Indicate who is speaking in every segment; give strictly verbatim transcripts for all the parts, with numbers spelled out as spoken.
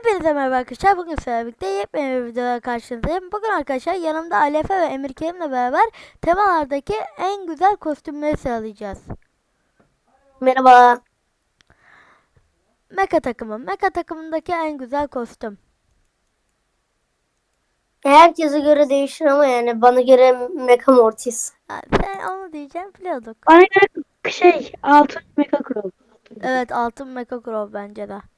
Speaker 1: Hepinize merhaba arkadaşlar. Bugün sizlerle birlikte yepyeni bir videoda karşınızdayım. Bugün arkadaşlar yanımda Alefe ve Emir Kerim'le beraber temalardaki en güzel kostümleri sıralayacağız.
Speaker 2: Merhaba.
Speaker 1: Mecha takımı. Mecha takımındaki en güzel kostüm.
Speaker 2: Herkese göre değişir ama yani bana göre Mecha Mortis.
Speaker 1: Ha, sen onu diyeceğim biliyorduk.
Speaker 3: Bana göre şey altın mega kral.
Speaker 1: Evet, altın Mecha Crow bence de.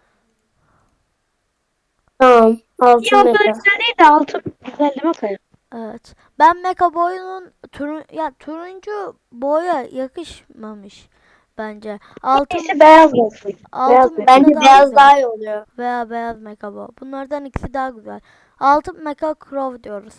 Speaker 2: Tamam.
Speaker 3: İyi
Speaker 2: Altın
Speaker 3: o kadar
Speaker 2: Mecha.
Speaker 3: güzel değil de altın güzel değil mi kaya?
Speaker 1: Evet. Ben Mecha boyunun turun ya turuncu boya yakışmamış bence. Altın
Speaker 3: İkisi beyaz olsun. Beyaz
Speaker 1: altın
Speaker 3: beyaz.
Speaker 1: Mecha
Speaker 2: Bence
Speaker 1: daha
Speaker 2: beyaz
Speaker 1: güzel.
Speaker 2: daha iyi oluyor.
Speaker 1: Veya beyaz Mecha Bow. Bunlardan ikisi daha güzel. Altın Mecha Crow diyoruz.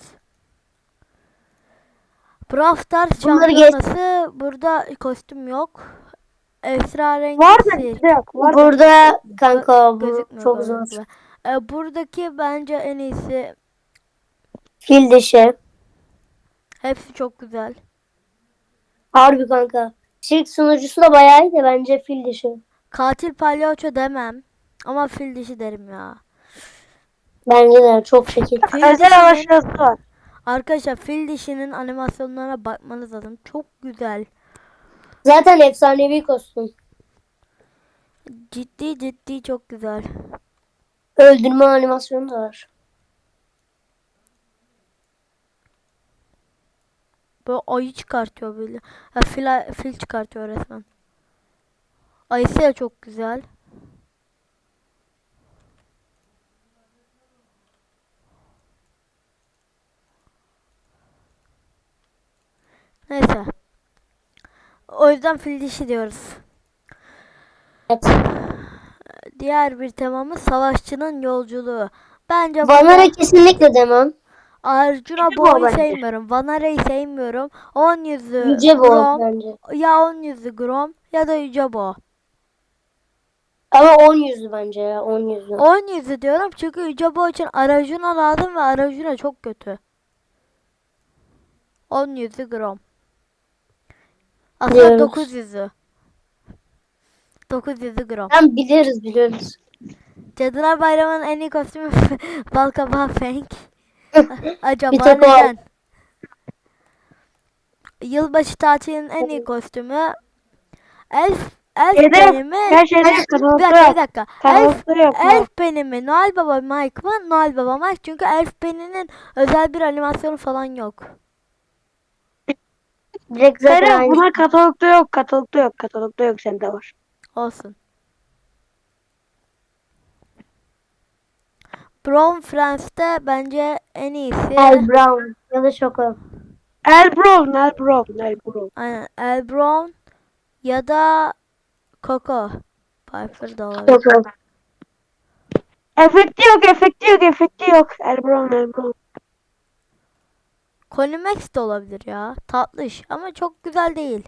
Speaker 1: Brawl Stars
Speaker 2: Bunları geç.
Speaker 1: şampiyonası burada kostüm yok. Esrarengiz
Speaker 3: Var da
Speaker 1: sihir.
Speaker 3: bizde yok. Var da.
Speaker 2: Burada kanka bu
Speaker 1: Gözükmüyor
Speaker 2: çok zor.
Speaker 1: gördüğünüz gibi. Ee, buradaki bence en iyisi.
Speaker 2: Fil dişi.
Speaker 1: Hepsi çok güzel.
Speaker 2: Harbi kanka. Sirk sunucusu da bayağı iyi de bence fil dişi.
Speaker 1: Katil palyaço demem. Ama fil dişi derim ya.
Speaker 2: Bence de çok şekil.
Speaker 1: Fil
Speaker 3: Özel
Speaker 1: dişinin,
Speaker 3: avaşası var.
Speaker 1: arkadaşlar fil dişinin animasyonlarına bakmanız lazım. Çok güzel.
Speaker 2: Zaten efsanevi kostüm.
Speaker 1: Ciddi ciddi çok güzel.
Speaker 2: Öldürme animasyonu da var.
Speaker 1: Böyle ayı çıkartıyor böyle. Ha, fil, fil çıkartıyor resmen. Ayısı da çok güzel. Neyse. O yüzden fil dişi diyoruz.
Speaker 2: Evet.
Speaker 1: Diğer bir temamız savaşçının yolculuğu. Bence
Speaker 2: Vanara
Speaker 1: burada
Speaker 2: kesinlikle demem.
Speaker 1: Arjuna
Speaker 3: Yüce bu
Speaker 1: Boy'u
Speaker 3: bence.
Speaker 1: sevmiyorum. Vanara'yı sevmiyorum. On yüzü
Speaker 2: Yüce bu
Speaker 1: Grom.
Speaker 2: bence.
Speaker 1: Ya on yüzü Grom ya da Yüce Bo.
Speaker 2: Ama on yüzlü bence ya on yüzlü.
Speaker 1: On yüzü diyorum çünkü Yüce Bo için Arjuna lazım ve Arjuna çok kötü. On yüzü Grom. Aslında
Speaker 2: Diyoruz.
Speaker 1: dokuz yüzü. dokuz yüzü Grom.
Speaker 2: Tam biliriz biliyoruz.
Speaker 1: Cadılar Bayramı'nın en iyi kostümü Balkabağı Fenk. Acaba
Speaker 2: Bir tek o.
Speaker 1: neden? Yılbaşı tatilinin en iyi kostümü Elf Elf
Speaker 3: Şeyde
Speaker 1: Penny mi?
Speaker 3: her şeyde
Speaker 1: Bir dakika,
Speaker 3: katalogda
Speaker 1: bir
Speaker 3: yok.
Speaker 1: dakika. Elf
Speaker 3: Katalogda yok.
Speaker 1: Elf Penny mi? Noel Baba Mike mı? Noel Baba Mike. Çünkü Elf Penny'nin özel bir animasyonu falan yok.
Speaker 2: Direkt zaten
Speaker 3: Kaya
Speaker 2: aynı.
Speaker 3: bunlar katalogda yok. Katalogda yok. Katalogda yok. Sende var.
Speaker 1: Olsun. Brown Friends'te bence en iyisi.
Speaker 2: El Brown ya da Şoko.
Speaker 3: El Brown. El Brown. El Brown.
Speaker 1: Aynen. El Brown ya da Coco. Piper da olabilir.
Speaker 2: Şoko.
Speaker 3: Efekti yok. Efekti yok. Efekti yok. El Brown. El Brown.
Speaker 1: Conimax de olabilir ya. Tatlış ama çok güzel değil.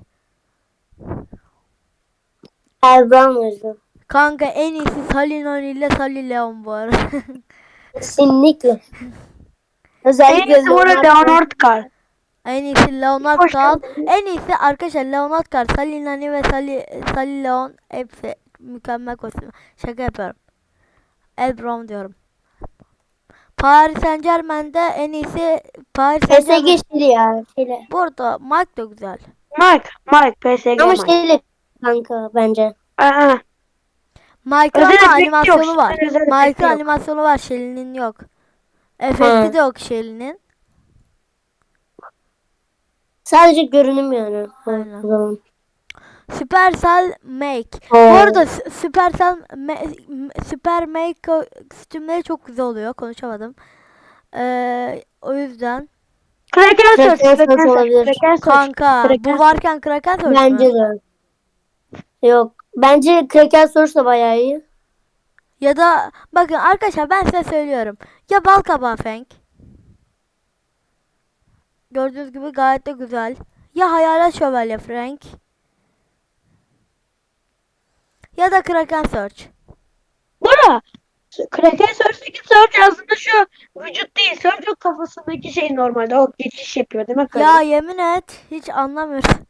Speaker 2: El Brown o yüzden.
Speaker 1: Kanka en iyisi Salinoni ile Sally Leon bu arada.
Speaker 2: Kesinlikle.
Speaker 3: En
Speaker 2: Özellikle
Speaker 3: iyisi bu arada Leonard Carl.
Speaker 1: En iyisi Leonard
Speaker 3: Hoş
Speaker 1: Carl.
Speaker 3: geldin.
Speaker 1: En iyisi arkadaşlar Leonard Carl, Sally Nani ve Sally, Sally Leon hepsi mükemmel kostüm. Şaka yapıyorum. El Brown diyorum. Paris Saint Germain'de en iyisi Paris Saint
Speaker 2: P S G
Speaker 1: Germain.
Speaker 2: şeyli ya. Şeyli.
Speaker 1: Burada Mike da güzel.
Speaker 3: Mike. Mike. P S G
Speaker 2: Ama
Speaker 3: Mike.
Speaker 2: şeyli kanka bence.
Speaker 3: Aa.
Speaker 1: Mike'ın
Speaker 3: Özel
Speaker 1: ama
Speaker 3: efekti
Speaker 1: animasyonu
Speaker 3: yok.
Speaker 1: var.
Speaker 3: Özel efekti
Speaker 1: Mike'ın
Speaker 3: yok.
Speaker 1: animasyonu var. Shelly'nin yok. Efekti
Speaker 2: Hı.
Speaker 1: de yok Shelly'nin.
Speaker 2: Sadece görünüm yani.
Speaker 1: Aynen.
Speaker 2: O zaman.
Speaker 1: Supercell Make. Bu
Speaker 2: Oo.
Speaker 1: arada Sü- Supercell Ma- M- Super Make kostümleri çok güzel oluyor. Konuşamadım. Ee, o yüzden
Speaker 3: Kraken Search.
Speaker 2: Kraken Search
Speaker 3: Kraken Search.
Speaker 2: olabilir.
Speaker 3: Kraken Search.
Speaker 1: kanka
Speaker 3: Kraken
Speaker 1: bu
Speaker 3: Search.
Speaker 1: varken Kraken Search
Speaker 2: Bence
Speaker 1: mü?
Speaker 2: de. Yok. Bence Kraken Source da bayağı iyi.
Speaker 1: Ya da bakın arkadaşlar ben size söylüyorum. Ya Balkabağı Fenk. Gördüğünüz gibi gayet de güzel. Ya Hayalet Şövalye Frank. Ya da Kraken Search.
Speaker 3: Bora. Kraken Search'teki Search aslında şu vücut değil. Search o kafasındaki şey normalde. O geçiş yapıyor demek
Speaker 1: Ya
Speaker 3: öyle.
Speaker 1: yemin et hiç anlamıyorum.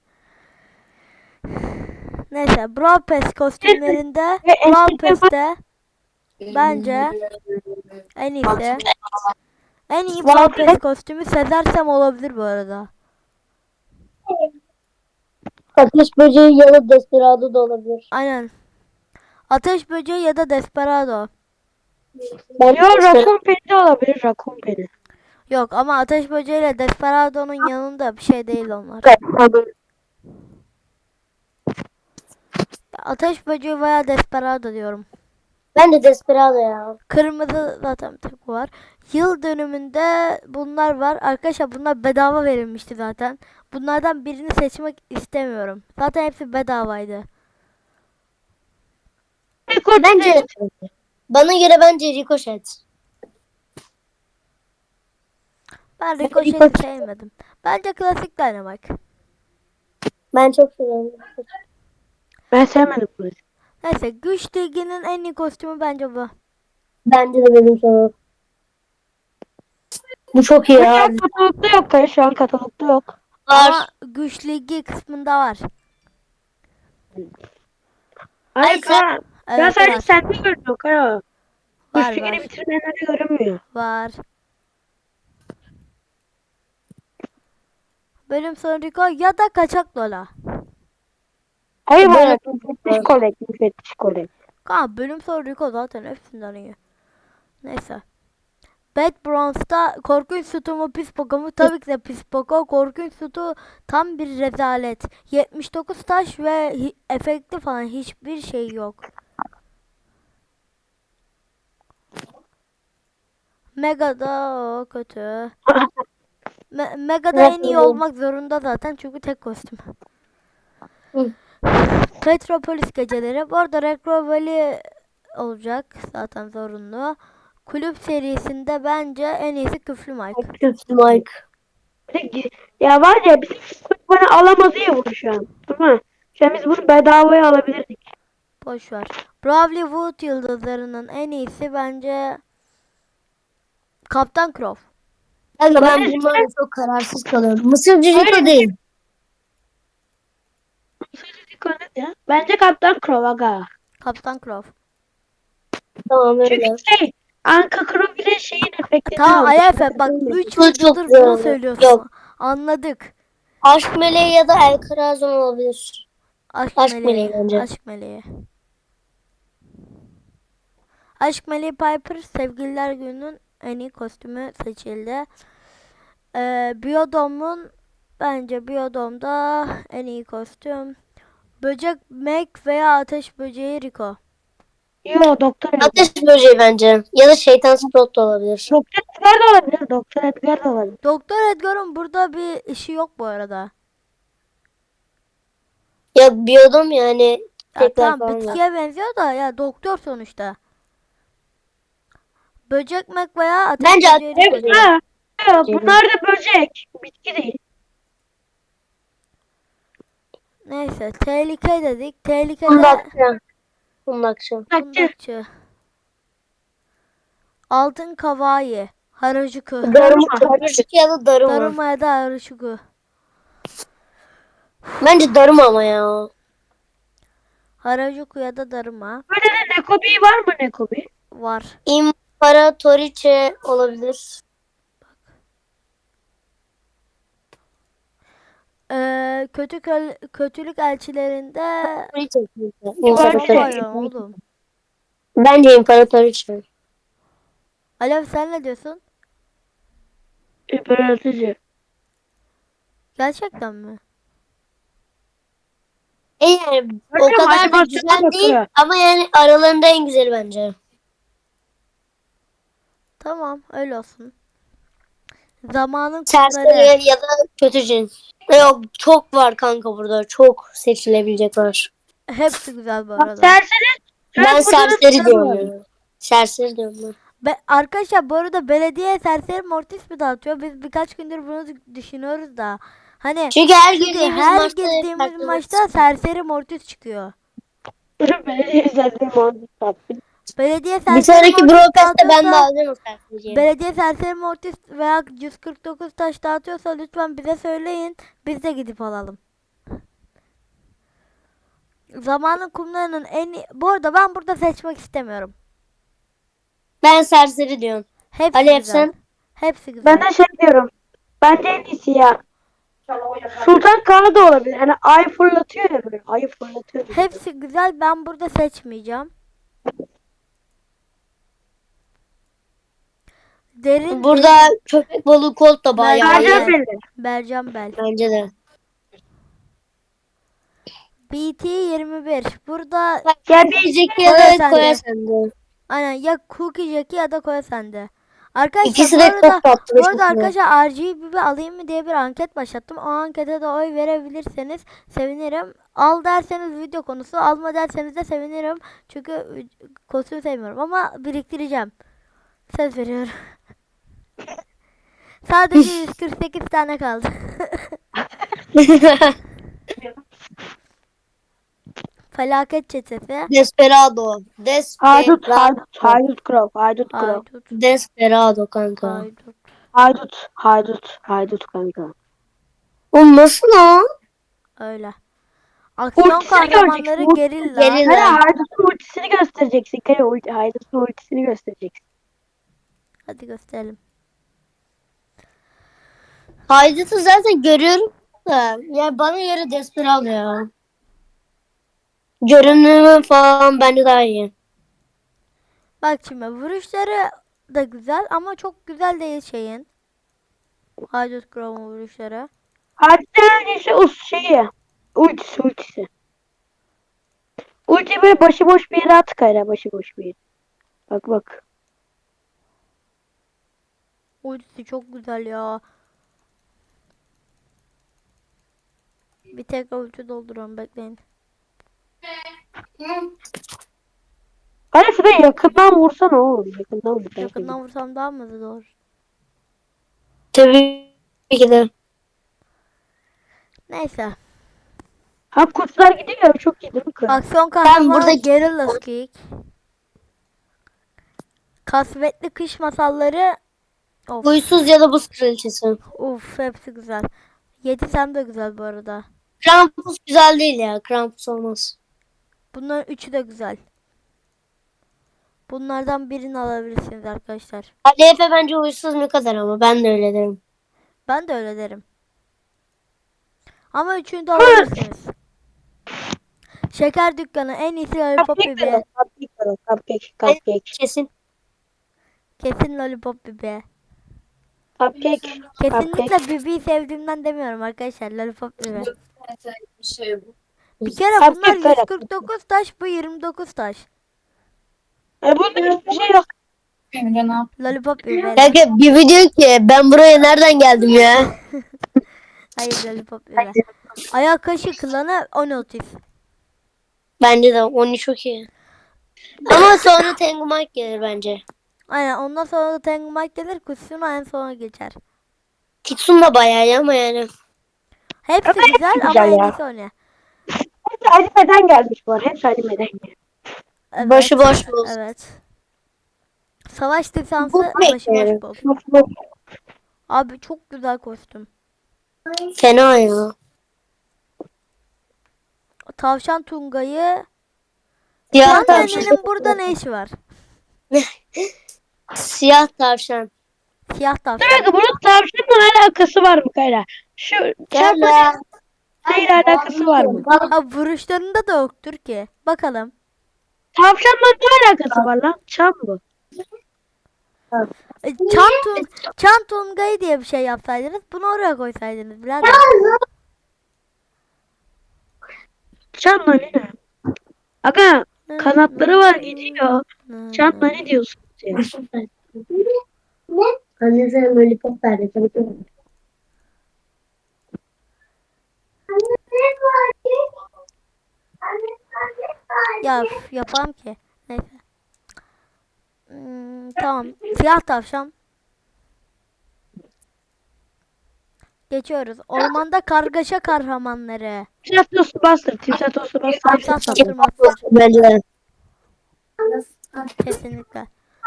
Speaker 1: Neyse Brawl Pass kostümlerinde
Speaker 3: Ve
Speaker 1: Brawl
Speaker 3: eskiden
Speaker 1: Pass'te Bence en iyisi. En iyi
Speaker 2: Var.
Speaker 1: Brawl kostümü Sezer Sam olabilir bu arada.
Speaker 2: Ateş böceği ya da Desperado da olabilir.
Speaker 1: Aynen. Ateş böceği ya da Desperado.
Speaker 2: Ben
Speaker 3: Yo Raccoon Penny de olabilir. Raccoon Penny.
Speaker 1: Yok ama ateş böceği ile Desperado'nun yanında bir şey değil onlar. Ateş böceği veya Desperado diyorum.
Speaker 2: Ben de Desperado ya.
Speaker 1: Kırmızı zaten bir tek var. Yıl dönümünde bunlar var. Arkadaşlar bunlar bedava verilmişti zaten. Bunlardan birini seçmek istemiyorum. Zaten hepsi bedavaydı.
Speaker 2: Bence bana göre bence Ricochet.
Speaker 1: Ben Ricochet'i sevmedim. Bence klasik Dynamite.
Speaker 2: Ben çok seviyorum.
Speaker 3: Ben sevmedim bunu.
Speaker 1: Neyse güç liginin en iyi kostümü bence bu.
Speaker 2: Bence de benim sorum. Bu çok iyi
Speaker 3: Şu
Speaker 2: ya.
Speaker 3: an katalogda yok. Hayır, şu an katalogda yok.
Speaker 2: Var.
Speaker 1: Ama güç ligi kısmında var.
Speaker 3: Hayır
Speaker 2: Ay, sen-
Speaker 3: Kaan. Ben
Speaker 1: Evet
Speaker 3: sadece
Speaker 1: var.
Speaker 3: sende görünüyor Kaan.
Speaker 1: Var
Speaker 3: Üç ligini
Speaker 1: var.
Speaker 3: bitirmeyenlerde görünmüyor.
Speaker 1: Var. Bölüm sonu Rico ya da kaçak Lola.
Speaker 3: Hayır
Speaker 2: Ben-
Speaker 3: bana müfettiş kolek. Müfettiş kolek.
Speaker 1: Kanka bölüm sonu Rico zaten hepsinden iyi. Neyse. Bad Bronze'da korkunç sütü mu pis poka mu? Tabii ki de pis poka. Korkunç sütü tam bir rezalet. yetmiş dokuz taş ve hi- efekti falan hiçbir şey yok. Mega'da o kötü. Me- Mega'da en iyi olmak zorunda zaten çünkü tek kostüm.
Speaker 2: Hı.
Speaker 1: Petropolis geceleri. Bu arada Retro Valley olacak zaten zorunlu. Kulüp serisinde bence en iyisi Küflü Mike.
Speaker 2: Kötü Mike.
Speaker 3: Peki, ya var ya bizim kulüp bana alamaz ya bunu şu an. Değil mi? Şu an biz bunu bedavaya alabilirdik.
Speaker 1: Boş ver. Bravely Wood yıldızlarının en iyisi bence Kaptan Crow.
Speaker 2: Kanka ben
Speaker 3: Bence-
Speaker 2: bunlarla çok kararsız kalıyorum. Mısırcı
Speaker 3: Öyle
Speaker 2: Rico
Speaker 3: mi?
Speaker 2: değil.
Speaker 3: Ya. Bence Kaptan Crow aga.
Speaker 1: Kaptan Crow.
Speaker 2: Tamam öyle.
Speaker 3: Çünkü şey Anka Crow bile şeyin efektini
Speaker 1: Tamam
Speaker 3: almış.
Speaker 1: Ayafe bak üç
Speaker 2: Bu çok
Speaker 1: videodur
Speaker 2: güzel
Speaker 1: bunu
Speaker 2: oldu.
Speaker 1: söylüyorsun.
Speaker 2: Yok.
Speaker 1: Anladık.
Speaker 2: Aşk meleği ya da El Krazon olabilir.
Speaker 1: Aşk,
Speaker 2: Aşk
Speaker 1: meleği.
Speaker 2: meleği bence.
Speaker 1: Aşk meleği. Aşk meleği Piper sevgililer gününün en iyi kostümü seçildi. Ee, Biodom'un bence Biodom'da en iyi kostüm. Böcek Meg veya ateş böceği Rico.
Speaker 3: Yo Doktor Edgar.
Speaker 2: Ateş böceği bence. Ya da şeytan Sprout da olabilir.
Speaker 3: Doktor Edgar da olabilir. Doktor Edgar da olabilir.
Speaker 1: Doktor Edgar'ın burada bir işi yok bu arada.
Speaker 2: Ya biyodum yani.
Speaker 1: Ya
Speaker 2: Tekrar
Speaker 1: tamam
Speaker 2: falan var.
Speaker 1: bitkiye benziyor da ya doktor sonuçta. Böcek Meg veya ateş
Speaker 2: Bence
Speaker 1: böceği
Speaker 2: ateş
Speaker 1: Rico.
Speaker 2: böceği.
Speaker 3: Ha, ha, bunlar da böcek. Bitki değil.
Speaker 1: Neyse tehlike dedik. Tehlikede
Speaker 2: Kundakçı. Kundakçı.
Speaker 3: Bakçı.
Speaker 1: kundakçı. Altın kavayı. Harajuku.
Speaker 2: Daruma. Darıcık ya da daruma.
Speaker 1: Daruma ya da Harajuku.
Speaker 2: Bence daruma ama ya.
Speaker 1: Harajuku ya da Daruma
Speaker 3: Böyle de Nekobi var mı Nekobi?
Speaker 1: var.
Speaker 2: İmparatoriçe olabilir.
Speaker 1: Ee, kötü köl- kötülük elçilerinde
Speaker 2: Toriçe.
Speaker 1: Var
Speaker 2: İmparatoriçe.
Speaker 1: ya oğlum.
Speaker 2: Bence imparatoriçe.
Speaker 1: Alev sen ne diyorsun?
Speaker 3: İmparatorcu.
Speaker 1: Gerçekten mi?
Speaker 2: E yani o
Speaker 3: Bakıyorum,
Speaker 2: kadar da
Speaker 3: animasyona
Speaker 2: güzel değil
Speaker 3: bakıyor.
Speaker 2: ama yani aralarında en güzeli bence.
Speaker 1: Tamam öyle olsun. Zamanın
Speaker 2: Serseri
Speaker 1: kumları.
Speaker 2: ya da kötü cin. Yok çok var kanka burada. Çok seçilebilecek var.
Speaker 1: Hepsi güzel bu
Speaker 3: Bak
Speaker 1: arada.
Speaker 3: serseri.
Speaker 2: Ben
Speaker 3: burada da
Speaker 2: serseri
Speaker 3: sarı
Speaker 2: diyorum
Speaker 3: var.
Speaker 2: ya. Serseri diyorum ben.
Speaker 1: Be arkadaşlar bu arada belediye serseri mortis mi dağıtıyor? Biz birkaç gündür bunu düşünüyoruz da. Hani
Speaker 2: Çünkü her
Speaker 1: çünkü
Speaker 2: girdiğimiz
Speaker 1: her
Speaker 2: maçta
Speaker 1: girdiğimiz
Speaker 2: farklı
Speaker 1: maçta
Speaker 2: maç.
Speaker 1: serseri mortis çıkıyor.
Speaker 3: Belediye üzerinde muhabbet yaptı.
Speaker 1: Belediye
Speaker 2: Bir
Speaker 1: serseri
Speaker 2: sonraki
Speaker 1: mortis
Speaker 2: broadcast'ta ben de
Speaker 1: dağıtıyorsa-
Speaker 2: alacağım o serseriyi.
Speaker 1: Belediye serseri mortis veya yüz kırk dokuz taş dağıtıyorsa lütfen bize söyleyin. Biz de gidip alalım. Zamanın kumlarının en iyi... Bu arada ben burada seçmek istemiyorum.
Speaker 2: Ben serseri diyorum.
Speaker 1: Hepsi
Speaker 2: Alev
Speaker 1: güzel.
Speaker 2: sen?
Speaker 1: Hepsi güzel.
Speaker 3: Ben de şey diyorum. Bence en iyisi ya. Sultan Kağan da olabilir. Hani ay fırlatıyor ya böyle. Ayı fırlatıyor. gibi.
Speaker 1: Hepsi güzel. Ben burada seçmeyeceğim. Derin
Speaker 2: Burada
Speaker 1: derin.
Speaker 2: köpek balığı kolt da bayağı
Speaker 3: Mercan
Speaker 2: iyi.
Speaker 1: Mercan
Speaker 3: belli.
Speaker 1: Bercan Bel.
Speaker 2: Bence de.
Speaker 1: B T yirmi bir. Burada
Speaker 2: Gel bir Jackie ya
Speaker 1: Koya
Speaker 2: da
Speaker 1: sende.
Speaker 2: Koya sende.
Speaker 1: aynen ya Cookie Jackie ya da Koya sende. Arkadaşlar
Speaker 2: İkisi
Speaker 1: bu
Speaker 2: de
Speaker 1: arada
Speaker 2: çok tatlı.
Speaker 1: bu arada arkadaşlar R G B alayım mı diye bir anket başlattım. O ankete de oy verebilirseniz sevinirim. Al derseniz video konusu, alma derseniz de sevinirim. Çünkü kostüm sevmiyorum ama biriktireceğim. Söz veriyorum. Sadece yüz kırk sekiz tane kaldı. Felaket çetesi.
Speaker 2: Desperado.
Speaker 3: Haydut,
Speaker 2: Desperado.
Speaker 3: haydut, haydut krov, haydut krov.
Speaker 1: Haydut.
Speaker 2: Desperado kanka.
Speaker 1: Haydut.
Speaker 3: Haydut, haydut, haydut kanka.
Speaker 2: O nasıl lan?
Speaker 1: Öyle. Aksiyon
Speaker 3: Ultisini
Speaker 1: kahramanları
Speaker 3: göreceksin,
Speaker 1: gerilla.
Speaker 2: gerilla.
Speaker 3: Hani haydutun ultisini göstereceksin. Kare ulti, haydutun ultisini göstereceksin.
Speaker 1: Hadi gösterelim.
Speaker 2: Haydut'u zaten görüyorum da. Ya bana göre Desperado ya. Görünümü falan bence daha iyi.
Speaker 1: Bak şimdi vuruşları da güzel ama çok güzel değil şeyin. Haydut Crow'un vuruşları.
Speaker 3: Haydutun öncesi o şeyi. Ultisi, ultisi. Ulti böyle başıboş bir yere at kayra, başıboş bir yere. Bak bak.
Speaker 1: Ultisi çok güzel ya. Bir tekrar ulti dolduruyorum bekleyin.
Speaker 3: Hani şuraya yakından vursana oğlum. Yakından vur. belki.
Speaker 1: Yakından vursam daha mı hızlı olur?
Speaker 2: Tabii ki de.
Speaker 1: Neyse.
Speaker 3: Ha kurtlar gidiyor. Çok iyi değil mi kız?
Speaker 1: Aksiyon kahramanı
Speaker 2: burada-
Speaker 1: Guerrilla Kick. Kasvetli kış masalları. Of.
Speaker 2: Huysuz ya da buz kraliçesi.
Speaker 1: Uf hepsi güzel. Yetisem de güzel bu arada.
Speaker 2: Krampus güzel değil ya. Krampus olmaz.
Speaker 1: Bunların üçü de güzel. Bunlardan birini alabilirsiniz arkadaşlar.
Speaker 2: Ali Efe bence huysuz ne kadar ama ben de öyle derim.
Speaker 1: Ben de öyle derim. Ama üçünü de alabilirsiniz. Şeker dükkanı en iyisi Lollipop
Speaker 3: Cupcake
Speaker 1: Bibi.
Speaker 3: var, cupcake var, cupcake, cupcake.
Speaker 2: Kesin.
Speaker 1: Kesin Lollipop Bibi.
Speaker 3: Cupcake,
Speaker 1: Kesinlikle
Speaker 3: cupcake.
Speaker 1: Bibi'yi sevdiğimden demiyorum arkadaşlar. Lollipop Bibi.
Speaker 2: şey
Speaker 1: Bir kere
Speaker 3: Cupcake
Speaker 1: bunlar
Speaker 3: böyle.
Speaker 1: yüz kırk dokuz taş, bu yirmi dokuz taş.
Speaker 3: E bunda hiçbir şey yok.
Speaker 1: Lollipop Bibi.
Speaker 2: Kanka bir video ki ben buraya nereden geldim ya?
Speaker 1: Hayır Lollipop Bibi. Ayak kaşı klanı Onotis.
Speaker 2: Bence de onu çok iyi. Ama sonra Tengu Mike gelir bence.
Speaker 1: Aynen ondan sonra da Tengu Mike gelir. Kusuna en sona geçer.
Speaker 2: Kitsun da bayağı iyi ama yani.
Speaker 1: Hepsi
Speaker 3: Ama hepsi
Speaker 1: güzel ama
Speaker 3: güzel
Speaker 1: en
Speaker 3: ya.
Speaker 1: iyisi o ne?
Speaker 3: Hepsi animeden gelmiş bu arada. Hepsi animeden gelmiş.
Speaker 1: Evet.
Speaker 2: Başı boş bulsun.
Speaker 1: Evet. Savaş lisansı
Speaker 2: Bu ne
Speaker 1: başı boş
Speaker 2: yani?
Speaker 1: bol. Abi çok güzel kostüm.
Speaker 2: Fena ya.
Speaker 1: Tavşan Tunga'yı.
Speaker 2: Siyah
Speaker 1: Can
Speaker 2: tavşan.
Speaker 1: Nene'nin burada ne işi var?
Speaker 2: Siyah tavşan.
Speaker 1: Siyah
Speaker 3: Bir
Speaker 1: tavşan.
Speaker 3: dakika bunun tavşanla alakası var mı Kayra? Şu
Speaker 2: Gel
Speaker 3: çarpma
Speaker 2: lan.
Speaker 3: neyle alakası var mı?
Speaker 1: Ha vuruşlarında da yoktur ki. Bakalım.
Speaker 3: Tavşanla ne alakası var lan? Çam bu.
Speaker 1: E, Çan, Tun Çan Tunga'yı diye bir şey yapsaydınız bunu oraya koysaydınız birader.
Speaker 3: Çamla ne? Aga kanatları var gidiyor. Çamla ne diyorsunuz ya?
Speaker 2: Ne? Anne sen lollipop verdi.
Speaker 1: Ya üf, yapamam ki. Neyse. Hmm, tamam. Siyah tavşan. Geçiyoruz. Ormanda kargaşa kahramanları.
Speaker 3: Timsah tostu bastır. Timsah tostu bastır.
Speaker 1: Timsah Satır Master.
Speaker 2: Bence de.
Speaker 1: Kesinlikle.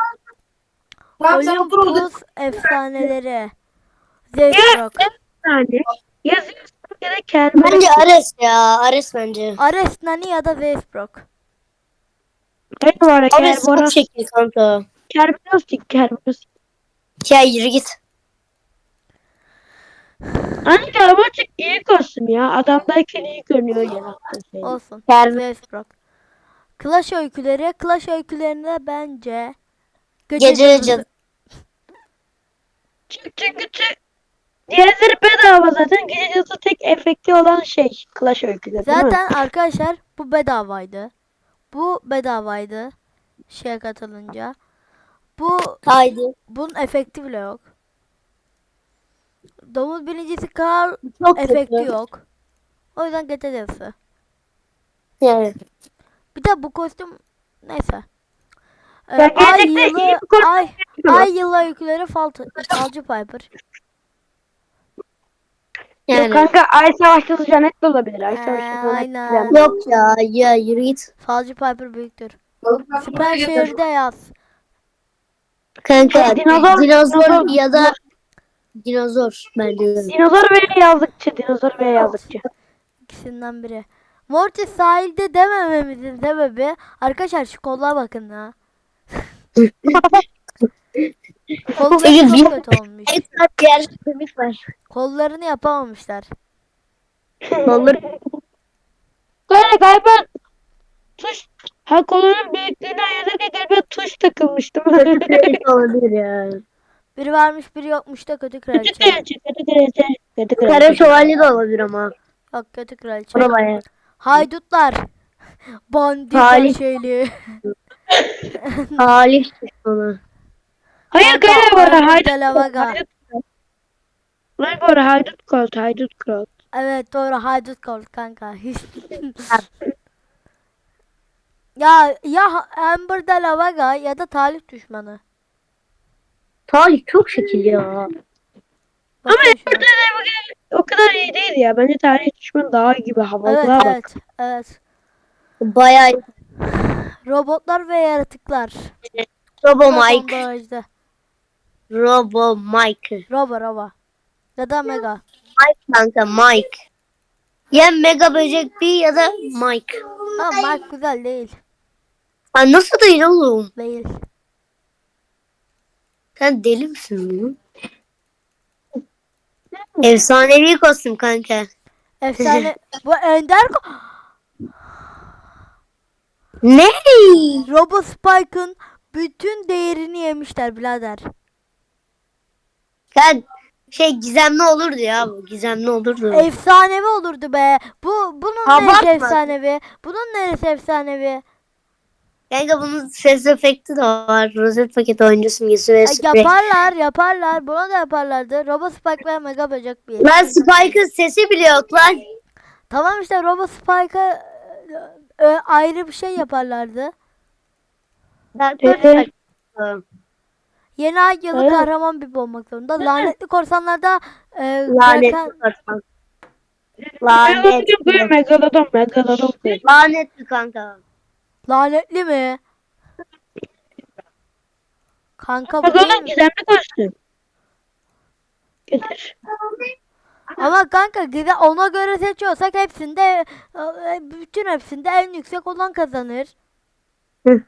Speaker 1: Olympus efsaneleri. Zeus Rock.
Speaker 3: Yani yazıyorsun ya da kelime.
Speaker 2: Bence Ares ya. Ares bence.
Speaker 1: Ares Nani ya da Zeus Rock.
Speaker 3: Ne var ya
Speaker 2: Ares çok
Speaker 3: Kerboros.
Speaker 2: şekil kanka.
Speaker 3: Kerberos Kerberos.
Speaker 2: Ya yürü git.
Speaker 3: Hani Kerberos iyi kostüm ya. Adamdayken iyi görünüyor yarattığı şey.
Speaker 1: Olsun.
Speaker 2: Ker-
Speaker 1: Zeus Brock. Clash öyküleri. Clash öykülerinde bence gece,
Speaker 2: Gece
Speaker 1: cadısı-
Speaker 2: cadı.
Speaker 3: Çık çık çık. Diğerleri bedava zaten. Gece cadısı tek efekti olan şey. Clash öyküleri değil mi?
Speaker 1: Zaten arkadaşlar bu bedavaydı. Bu bedavaydı. Şeye katılınca. Bu
Speaker 2: Haydi.
Speaker 1: bunun efekti bile yok. Domuz birincisi kar
Speaker 2: Çok
Speaker 1: efekti
Speaker 2: kötü.
Speaker 1: yok. O yüzden gece cadısı.
Speaker 2: Yani.
Speaker 1: Bir de bu kostüm neyse. Ee,
Speaker 3: Ya
Speaker 1: ay
Speaker 3: gelecekte iyi
Speaker 1: yılı
Speaker 3: bir kostüm
Speaker 1: ay
Speaker 3: çıkıyor.
Speaker 1: ay yılı öyküleri fal, falcı Piper.
Speaker 3: Yok
Speaker 2: Yani.
Speaker 3: kanka Ay Savaşçısı Janet de olabilir. Ay
Speaker 1: Ee,
Speaker 3: Savaşçısı Janet.
Speaker 1: aynen.
Speaker 2: Yok ya. Ya yürü git.
Speaker 1: Falcı Piper büyüktür. Süper şehirde yaz.
Speaker 2: Kanka
Speaker 3: Şey, dinozor-
Speaker 2: dinozor
Speaker 3: dinozor-
Speaker 2: ya da dinozor bence de.
Speaker 3: Dinozor ve yazlıkçı. Dinozor ve yazlıkçı.
Speaker 1: İkisinden biri. Mortis sahilde demememizin sebebi arkadaşlar şu kollara bakın ya. Kolları
Speaker 2: Peki,
Speaker 1: çok
Speaker 2: bir-
Speaker 1: kötü olmuş.
Speaker 2: Evet, diğer kemik var.
Speaker 1: Kollarını yapamamışlar.
Speaker 2: Kolları
Speaker 3: Böyle galiba tuş ha kolunun büyüklüğünü ayarlarken galiba tuş takılmıştı. Kötü
Speaker 2: olabilir ya.
Speaker 1: Biri varmış biri yokmuş da kötü kraliçe.
Speaker 3: kraliçe, kötü kraliçe, kötü
Speaker 2: Kara
Speaker 3: kraliçe.
Speaker 2: şövalye de olabilir ama.
Speaker 1: Yok kötü kraliçe.
Speaker 2: O da bayağı.
Speaker 1: Haydutlar. Bandita
Speaker 2: Talih.
Speaker 1: şeyli.
Speaker 2: Talih düşmanı.
Speaker 3: Hayır
Speaker 1: Kanka,
Speaker 3: galiba bu arada
Speaker 1: Arnold
Speaker 3: haydut
Speaker 1: de la
Speaker 3: Colt,
Speaker 1: Vega.
Speaker 3: haydut Colt. Lan bu arada haydut Colt, haydut Colt.
Speaker 1: Evet doğru haydut kol kanka. ya ya Amber de la Vega ya da Talih düşmanı.
Speaker 2: Talih çok şekil ya.
Speaker 3: Ama
Speaker 1: Bakın şuna.
Speaker 3: burada da bugün o kadar iyi değil ya. Bence tarih düşmanı daha iyi gibi
Speaker 1: Evet
Speaker 3: havalığa bak.
Speaker 1: evet evet.
Speaker 2: Bayağı
Speaker 1: Robotlar ve yaratıklar.
Speaker 2: Robo
Speaker 1: Son
Speaker 2: Mike.
Speaker 1: barajda.
Speaker 2: Robo Mike.
Speaker 1: Robo robo. Ya da Mega.
Speaker 2: Mike kanka Mike. Ya Mega Böcek bir ya da Mike.
Speaker 1: Ama Mark güzel değil.
Speaker 2: Ha, nasıl değil oğlum?
Speaker 1: Değil.
Speaker 2: Sen deli misin bunu? Efsanevi kostüm kanka.
Speaker 1: Efsane. Bu Ender ko-
Speaker 2: Ne?
Speaker 1: Robo Spike'ın bütün değerini yemişler birader.
Speaker 2: Sen şey gizemli olurdu ya bu. Gizemli olurdu.
Speaker 1: Efsanevi olurdu be. Bu bunun
Speaker 2: Abartma.
Speaker 1: neresi efsanevi? Bunun neresi efsanevi?
Speaker 2: Kanka bunun ses efekti de var. Rozet paket oyuncusu müziği ve
Speaker 1: Ya
Speaker 2: sprey.
Speaker 1: yaparlar, yaparlar. Bunu da yaparlardı. Robo Spike ve Mega Böcek bir.
Speaker 2: Lan Spike'ın sesi bile yok lan.
Speaker 1: Tamam işte Robo Spike'a e, e, ayrı bir şey yaparlardı.
Speaker 3: Evet.
Speaker 1: Yeni ay yılı
Speaker 3: Evet.
Speaker 1: kahraman bir olmak zorunda. Lanetli korsanlarda e,
Speaker 2: Lanet
Speaker 1: Kraken-
Speaker 2: korsan.
Speaker 3: Megalodon
Speaker 2: Lanet.
Speaker 3: böyle megalodon, megalodon böyle.
Speaker 2: Lanetli kanka.
Speaker 1: lanetli mi? Kanka bu değil
Speaker 3: Megalodon
Speaker 1: mi?
Speaker 3: gizemli kostüm. Getir.
Speaker 1: Ama kanka gide ona göre seçiyorsak hepsinde e, bütün hepsinde en yüksek olan kazanır.
Speaker 2: Hı.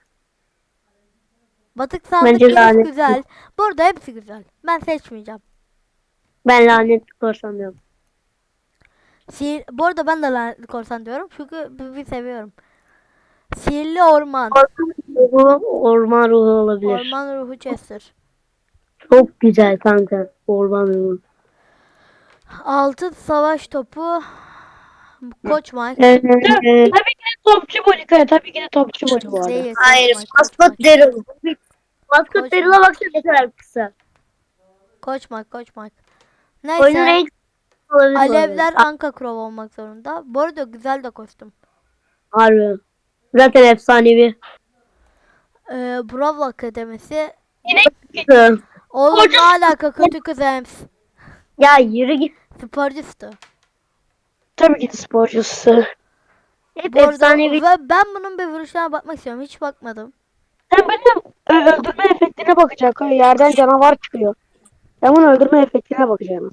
Speaker 1: Batık sandık
Speaker 2: Bence
Speaker 1: giriş
Speaker 2: lanetli.
Speaker 1: güzel. Burada hepsi güzel. Ben seçmeyeceğim.
Speaker 2: Ben lanetli korsan diyorum.
Speaker 1: Sihir, bu arada ben de lanetli korsan diyorum. Çünkü bir, bir seviyorum. Sihirli orman.
Speaker 2: Korsan ruhu, orman ruhu olabilir.
Speaker 1: Orman ruhu Chester.
Speaker 2: Çok güzel kanka. Orman ruhu.
Speaker 1: Altın savaş topu. Koç Mike.
Speaker 2: Ee,
Speaker 3: Tabii ki de topçu Monika. Tabii ki de topçu Monika bu arada.
Speaker 1: Değil.
Speaker 2: hayır.
Speaker 1: Koç Mike, Koç
Speaker 2: Maskot
Speaker 1: Mike.
Speaker 2: Daryl. Maskot
Speaker 1: Koç
Speaker 2: Daryl'a baksana ne kadar kısa.
Speaker 1: Koç Mike, Koç Mike.
Speaker 2: Oyunun
Speaker 1: Neyse.
Speaker 2: renk olabilir. bu
Speaker 1: Alevler
Speaker 2: arada.
Speaker 1: Anka Crow olmak zorunda. Bu arada güzel de kostüm.
Speaker 2: Harbi. Zaten efsanevi.
Speaker 1: Ee, Brawl Akademisi.
Speaker 3: Yine
Speaker 2: Hı.
Speaker 1: Oğlum ne alaka kötü kız Ems.
Speaker 2: Ya yürü git.
Speaker 1: Sporcustu.
Speaker 3: tabii ki de sporcusu.
Speaker 2: Hep
Speaker 1: Bu arada
Speaker 2: efsanevi.
Speaker 1: ve ben bunun bir vuruşuna bakmak istiyorum. Hiç bakmadım.
Speaker 3: Sen benim ö- öldürme efektine bakacak. Yerden canavar çıkıyor. Ben bunun öldürme efektine bakacağım.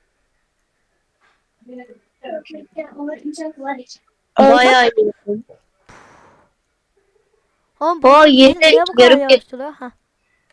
Speaker 2: Bayağı iyi.
Speaker 1: Oğlum
Speaker 2: O
Speaker 1: bu
Speaker 2: yeni
Speaker 1: niye bu kadar
Speaker 2: yarım
Speaker 1: yavaş duruyor? Heh.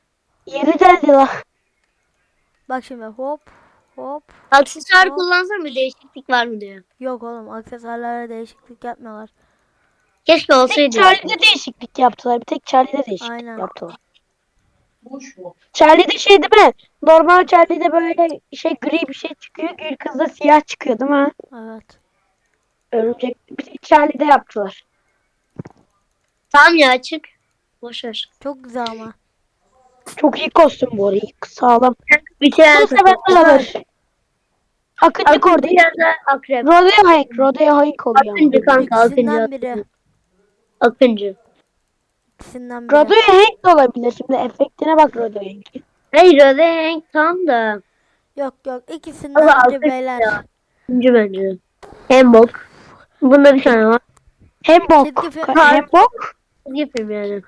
Speaker 3: Yeri geldi la.
Speaker 1: Bak şimdi hop hop.
Speaker 2: Aksesuar
Speaker 1: Hop.
Speaker 2: kullansam bir değişiklik var mı diyor.
Speaker 1: Yok oğlum aksesuarlara değişiklik yapmıyorlar.
Speaker 2: Keşke
Speaker 3: Bir tek
Speaker 2: olsaydı.
Speaker 3: Charlie'de değişiklik yaptılar. Bir tek Charlie'de değişiklik
Speaker 1: Aynen.
Speaker 3: yaptılar. Charlie'de şey değil mi? Normal Charlie'de böyle şey gri bir şey çıkıyor. Gül kızda siyah çıkıyor değil mi?
Speaker 1: Evet.
Speaker 3: Örümcek. Bir tek Charlie'de yaptılar.
Speaker 2: Tamam ya açık. Boşver.
Speaker 1: Çok güzel ama.
Speaker 3: Çok iyi kostüm bu arada. İyi, sağlam.
Speaker 2: Bir şey
Speaker 3: Bunu sevenler alır. Akıncı orada.
Speaker 2: Akıncı ya da akrep.
Speaker 3: Rodeo Hank. Rodeo Hank oluyor.
Speaker 2: Akıncı kanka akıncı.
Speaker 1: İkisinden biri.
Speaker 2: Akıncı.
Speaker 1: İkisinden biri.
Speaker 3: Rodeo Hank de olabilir. Şimdi efektine bak Rodeo Hank'in.
Speaker 2: Hayır o da Hank tam da.
Speaker 1: Yok yok ikisinden
Speaker 2: Allah
Speaker 1: biri
Speaker 2: akıncı
Speaker 1: beyler.
Speaker 2: ya. Akıncı bence. Hem bok. Bunda bir tane var.
Speaker 3: Hem bok.
Speaker 1: Çizgi film-
Speaker 3: Hem bok.
Speaker 2: Çizgi film yani.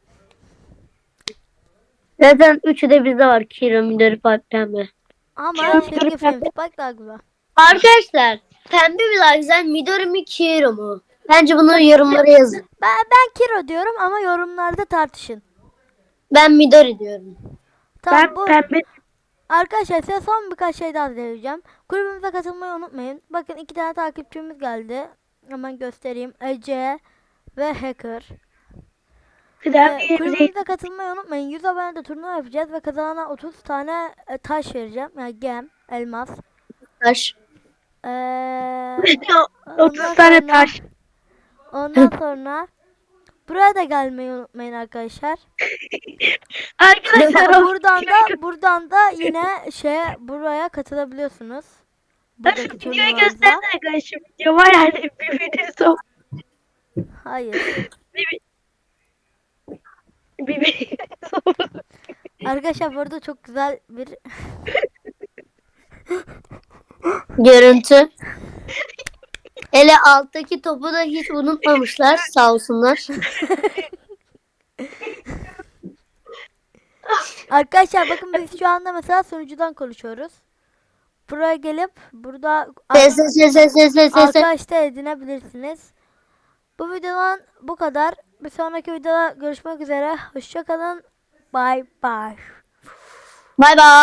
Speaker 2: Zaten üçü de bizde var. Kiro, Midori, Pipe, Pembe.
Speaker 1: Ama
Speaker 3: Kim
Speaker 1: çizgi
Speaker 3: bilir
Speaker 1: film
Speaker 3: pembe?
Speaker 1: bak daha güzel.
Speaker 2: Arkadaşlar pembe mi daha güzel Midori mi Kiro mu? Bence bunu yorumlara yazın.
Speaker 1: Ben, ben Kiro diyorum ama yorumlarda tartışın.
Speaker 2: Ben Midori diyorum.
Speaker 1: Tamam
Speaker 3: Ben
Speaker 1: bu
Speaker 3: pembe.
Speaker 1: arkadaşlar size son birkaç şey daha söyleyeceğim. Kulübümüze katılmayı unutmayın. Bakın iki tane takipçimiz geldi. Hemen göstereyim. Ece ve Hacker.
Speaker 3: Bir daha
Speaker 1: Ee,
Speaker 3: bir yerimize
Speaker 1: kulübümüze katılmayı unutmayın. yüz abonede turnuva yapacağız ve kazanana otuz tane e, taş vereceğim. Yani gem, elmas.
Speaker 2: Taş.
Speaker 1: Ee,
Speaker 3: otuz
Speaker 1: ondan
Speaker 3: tane
Speaker 1: sonra-
Speaker 3: taş.
Speaker 1: Ondan sonra buraya da gelmeyi unutmayın arkadaşlar.
Speaker 3: Arkadaşlar o
Speaker 1: buradan da buradan da yine şey buraya katılabiliyorsunuz. Buradaki
Speaker 3: videoyu
Speaker 1: turnuvalarımıza.
Speaker 3: gösterdi arkadaşlar. Video var yani bir videosu.
Speaker 1: Hayır.
Speaker 3: Bir videosu.
Speaker 1: Arkadaşlar burada çok güzel bir
Speaker 2: Görüntü. Hele alttaki topu da hiç unutmamışlar sağ olsunlar.
Speaker 1: Arkadaşlar bakın biz şu anda mesela sunucudan konuşuyoruz. Buraya gelip burada
Speaker 2: Ses ses ses ses ses ses ses.
Speaker 1: arkadaş da edinebilirsiniz. Bu videodan bu kadar. Bir sonraki videoda görüşmek üzere. Hoşça kalın. Bye bye.
Speaker 2: Bay bay.